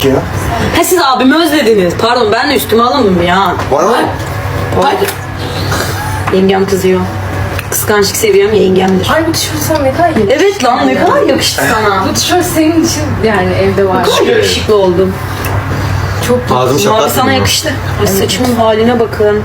ya. Ha siz abimi özlediniz. Pardon ben de üstüme alındım ya. Bana bak. Pardon. Yengem kızıyor. Kıskançlık seviyem yengemdir. Ay bu tişört sana ne kadar yakıştı. Evet lan ne kadar yakıştı sana. Bu tişört senin için yani evde var. Ne kadar yakışıklı oldum. Çok Ağzımı Mavi şaplatmadın sana mı? yakıştı. Ay saçımın haline bakın.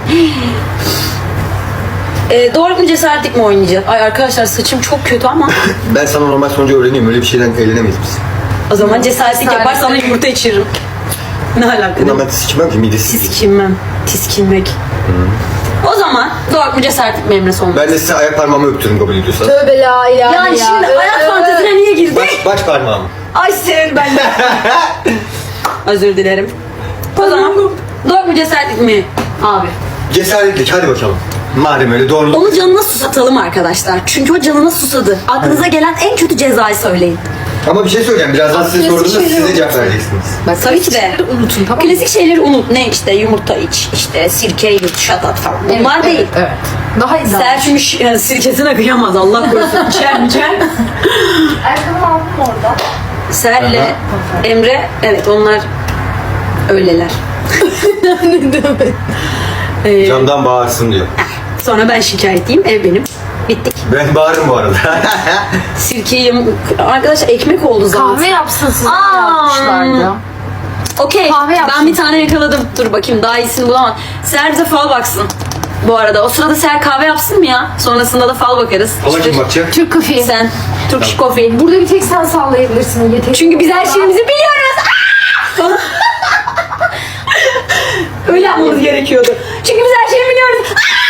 Doğru mu cesaretlik mi oynayacağız? Ay arkadaşlar saçım çok kötü ama Ben sana normal sonucu öğreneyim. Öyle bir şeyden eğlenemeyiz biz. o zaman cesaretlik yapar sana yumurta içiririm. Ne alaka? Bundan ben sikmem ki midesiz. Tiskinmem. Tiskinmek. O zaman doğru mu cesaretlik mi Emre olmaz? Ben de size ayak parmağımı öptürüm kabul ediyorsanız. Tövbe la ilahe Yani ya. şimdi ayak fantezine niye girdik? Baş parmağımı. Ay sev ben de. Özür dilerim. O zaman doğru mu cesaretlik mi abi? Cesaretlik hadi bakalım. Madem öyle doğruluk. Onu canına susatalım arkadaşlar. Çünkü o canına susadı. Aklınıza gelen en kötü cezayı söyleyin. Ama bir şey söyleyeceğim. Birazdan size sorduğumda siz de cevap vereceksiniz. Bak, Tabii ki de. unutun tamam mı? Klasik şeyleri unut. Ne işte yumurta iç, işte sirke yut, şatat falan. Bunlar değil. Evet. Daha iyi. Ser çünkü yani sirkesine kıyamaz Allah korusun. İçer. Ayakkabımı aldım orada. Serle Aha. Emre evet onlar öyleler. Camdan bağırsın diyor. Sonra ben şikayetliyim ev benim. Bittik. Ben bağırırım bu arada. Sirkeyi arkadaşlar ekmek oldu zaten. Kahve yapsın size Aa. yapmışlardı. Okey. Kahve yapsın. Ben bir tane yakaladım. Dur bakayım daha iyisini bulamam. Ser bize fal baksın. Bu arada o sırada Ser kahve yapsın mı ya? Sonrasında da fal bakarız. Hala kim bakacak? Türk kafi. Sen Turkish coffee. Burada bir tek sen sallayabilirsin. Yeter. Çünkü biz her şeyimizi biliyoruz. Aa! Öyle yapmamız gerekiyordu. Çünkü biz her şeyi biliyoruz.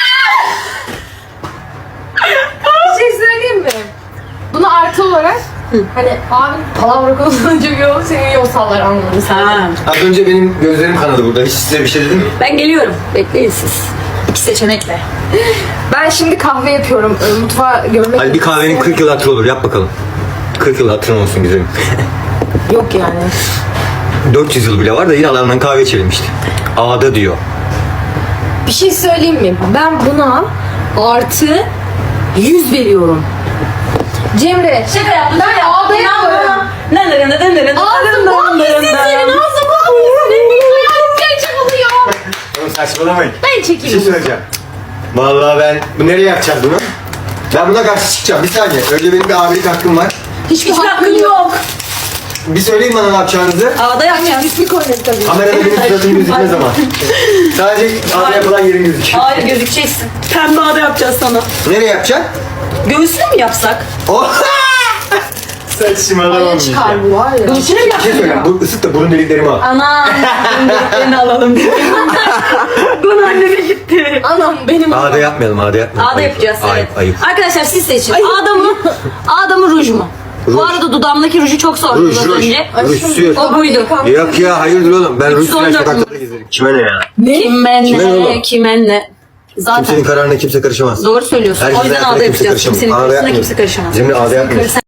Bir şey söyleyeyim mi? Bunu artı olarak hani abi palavra konusunda çok iyi olur, senin iyi o sallar anlamını sen. Ha. Az önce benim gözlerim kanadı burada. Hiç size bir şey dedim mi? Ben geliyorum. Bekleyin siz. İki seçenekle. Ben şimdi kahve yapıyorum. Mutfağa görmek Hadi bir kahvenin 40 yıl hatırı olur. Yap bakalım. 40 yıl hatırın olsun güzelim. yok yani. 400 yıl bile var da yine alandan kahve içelim işte. Ağda diyor. Bir şey söyleyeyim mi? Ben buna artı 100 veriyorum. Cemre. Şaka yaptım. Ben ağda yapıyorum. Ağzım bol yesin senin ağzım bol yesin. Gerçek oluyor. Oğlum saçmalamayın. Ben Bir şey çekeyim. söyleyeceğim. Vallahi ben... Bu nereye yapacağız bunu? Ben buna karşı çıkacağım. Bir saniye. Önce benim bir abilik hakkım var. Hiçbir Hiç hakkın hakkın yok. Bir söyleyin bana ne yapacağınızı. Ağda yapacağız. Hiçbir konu tabii. Kamerada benim suratım gözükmez ama. Sadece ağda yapılan yerim gözüküyor. Hayır gözükeceksin. Pembe ağda yapacağız sana. Nereye yapacaksın? Göğsüne mi yapsak? Oh! Saçmalama. Aya çıkar bu var ya. Göğsüne mi Bir şey yapsak? söyleyeyim. Bu ısıt da burun deliklerimi al. Anam. Deliklerini alalım. Bunu anneme gitti. Anam benim Ağda yapmayalım, ağda yapmayalım. Ağda yapacağız evet. Ayıp, ayıp. Arkadaşlar siz seçin. Ağda mı ruj mu? Bu Ruj. arada dudağımdaki ruju çok sordunuz Ruj, az ruj. önce. Ruj sür. O buydu. Yok ya, hayırdır oğlum. Ben Rus 314 flash sokaklarda gezerim. Kime ne ya? Kime Kime ne ne, oğlum? kime ne. Zaten Kimsenin kararına kimse karışamaz. doğru söylüyorsun. Herkesin O yüzden hayatına ağda kimse yapacağız. karışamaz. Kimsenin Ağda karşısına yapmıyoruz. kimse karışamaz. Cemre ağda yapmıyoruz.